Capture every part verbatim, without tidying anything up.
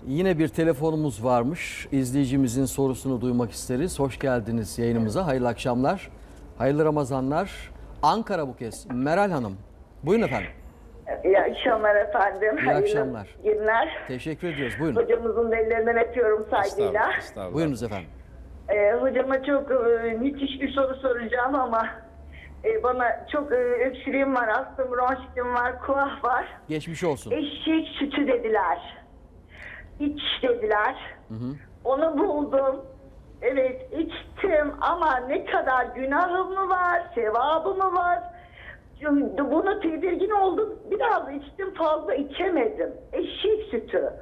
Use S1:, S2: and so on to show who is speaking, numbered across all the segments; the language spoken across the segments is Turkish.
S1: Yine bir telefonumuz varmış. İzleyicimizin sorusunu duymak isteriz. Hoş geldiniz yayınımıza. Hayırlı akşamlar. Hayırlı Ramazanlar. Ankara bu kez. Meral Hanım. Buyurun efendim.
S2: İyi akşamlar efendim.
S1: İyi
S2: Hayırlı
S1: akşamlar.
S2: günler.
S1: Teşekkür ediyoruz. Buyurun.
S2: Hocamızın ellerinden öpüyorum saygıyla.
S3: Estağfurullah, estağfurullah.
S1: Buyurunuz efendim.
S2: Ee, hocama çok e, müthiş bir soru soracağım ama e, bana çok e, öksürüğüm var, astım, bronşitim var, kuah var.
S1: Geçmiş olsun.
S2: Eşek sütü dediler. İç dediler.
S1: Hı hı.
S2: Onu buldum. Evet içtim ama ne kadar günahım mı var, sevabı mı var? Bunu tedirgin oldum. Biraz içtim, fazla içemedim. Eşek sütü.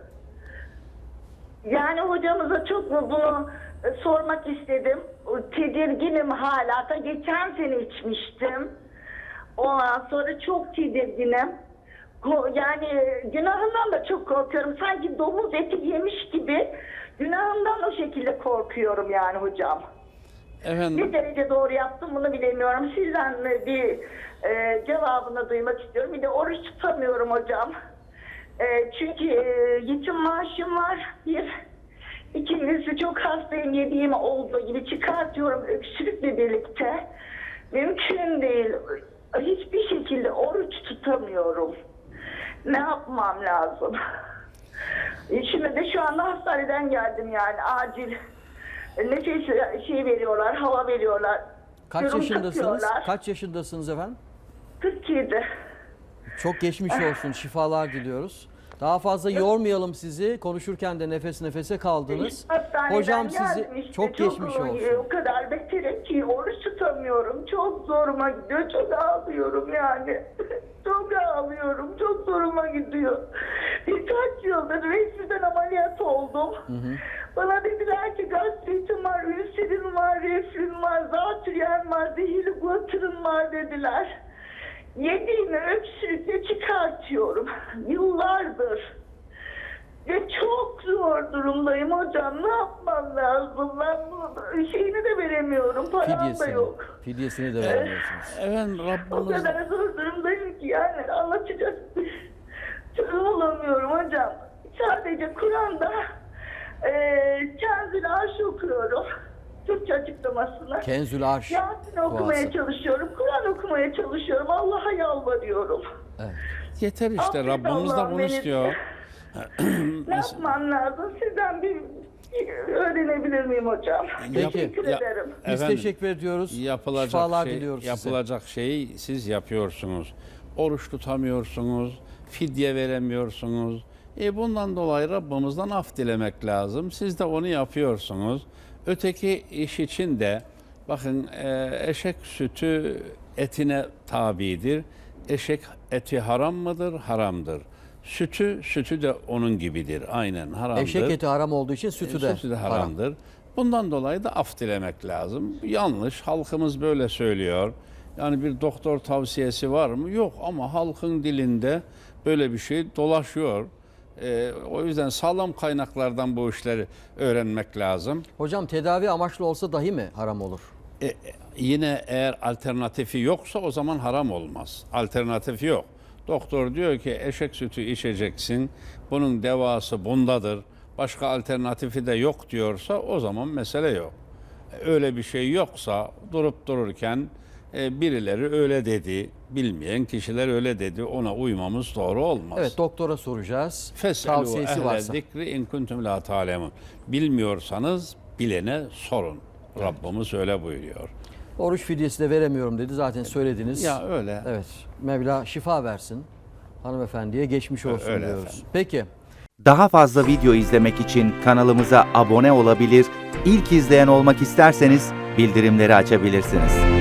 S2: Yani hocamıza çok mu bunu e, sormak istedim. Tedirginim hala. Da geçen sene içmiştim. Ondan sonra çok tedirginim. Ko- Yani günahından da çok korkuyorum. Sanki domuz eti yemiş gibi günahından o şekilde korkuyorum yani hocam.
S3: Efendim,
S2: Ne derece doğru yaptım bunu bilemiyorum. Sizden bir e, cevabını duymak istiyorum. Bir de oruç tutamıyorum hocam. E, çünkü e, yetim maaşım var. Bir. İkincisi çok hastayım. Yediğim olduğu gibi çıkartıyorum öksürükle birlikte. Mümkün değil. Hiçbir şekilde oruç tutamıyorum. Ne yapmam lazım? Şimdi de şu anda hastaneden geldim yani acil. Nefes şey veriyorlar, hava veriyorlar.
S1: Kaç
S2: Yorum
S1: yaşındasınız?
S2: takıyorlar.
S1: Kaç yaşındasınız efendim?
S2: kırk yedi.
S1: Çok geçmiş olsun. Şifalar diliyoruz. Daha fazla yormayalım sizi. Konuşurken de nefes nefese kaldınız.
S2: Hastaneden
S1: Hocam sizi
S2: geldim işte.
S1: çok geçmiş
S2: e,
S1: olsun.
S2: O kadar beterim ki oruç tutamıyorum. Çok zoruma gidiyor. Çok ağlıyorum yani. Çok ağlıyorum. Çok zoruma gidiyor. Birkaç yıldır resmiden ameliyat oldum.
S1: Hı hı.
S2: Bana dediler ki gastritim var, ülserin var, reflün var, zatürren var, zehirli guatırın var dediler. Yediğimi öksürükle çıkartıyorum. Yıllardır. Ve çok zor durumdayım hocam. Ne yapmam lazım? Ben bu şeyini de veremiyorum. Param da
S1: Fidyesini,
S2: yok.
S1: fidyesini de veremiyorsunuz.
S3: efendim
S2: O
S3: Rabbimiz
S2: kadar zor durumdayım ki yani anlatacak çözüm bulamıyorum hocam. Sadece Kur'an'da eee Kenzül Arş okuyorum. Türkçe açıklamasını.
S1: Kenzül Arş
S2: Yasin okumaya
S1: duası.
S2: çalışıyorum. Kur'an okumaya çalışıyorum. Allah'a yalvarıyorum.
S1: Evet.
S3: yeter işte,
S2: Affet
S3: Rabbimiz de
S2: Allah'ım
S3: bunu
S2: beni.
S3: istiyor.
S2: Ne yapmam lazım? Sizden bir, bir öğrenebilir miyim hocam?
S1: Peki.
S2: Teşekkür
S3: Ya-
S2: ederim.
S1: Biz
S3: Efendim,
S1: teşekkür ediyoruz.
S3: Yapılacak
S1: Şifalar
S3: şey,
S1: diliyoruz size.
S3: yapılacak şeyi siz yapıyorsunuz. Oruç tutamıyorsunuz, fidye veremiyorsunuz. E bundan dolayı Rabbimizden af dilemek lazım. Siz de onu yapıyorsunuz. Öteki iş için de bakın, e, eşek sütü etine tabidir. Eşek eti haram mıdır? Haramdır. Sütü, sütü de onun gibidir. Aynen haramdır.
S1: Eşek eti haram olduğu için sütü de,
S3: Sütü de
S1: haram.
S3: haramdır. Bundan dolayı da af dilemek lazım. Yanlış. Halkımız böyle söylüyor. Yani bir doktor tavsiyesi var mı? Yok, ama halkın dilinde böyle bir şey dolaşıyor. Ee, o yüzden sağlam kaynaklardan bu işleri öğrenmek lazım.
S1: Hocam tedavi amaçlı olsa dahi mi haram olur?
S3: E, e, yine eğer alternatifi yoksa o zaman haram olmaz. Alternatifi yok. Doktor diyor ki eşek sütü içeceksin. Bunun devası bundadır. Başka alternatifi de yok diyorsa o zaman mesele yok. Öyle bir şey yoksa durup dururken e, birileri öyle dedi, bilmeyen kişiler öyle dedi, ona uymamız doğru olmaz.
S1: Evet, doktora soracağız.
S3: Fes'elû
S1: Tavsiyesi
S3: ehle
S1: varsa.
S3: zikri in kuntum la ta'lemun. Bilmiyorsanız bilene sorun. Rabbimiz öyle buyuruyor.
S1: Oruç fidyesi de veremiyorum dedi. Zaten söylediniz.
S3: Ya öyle.
S1: Evet. Mevla şifa versin. Hanımefendiye geçmiş olsun
S3: Öyle
S1: diyoruz.
S3: efendim.
S1: Peki.
S4: Daha fazla video izlemek için kanalımıza abone olabilir, ilk izleyen olmak isterseniz bildirimleri açabilirsiniz.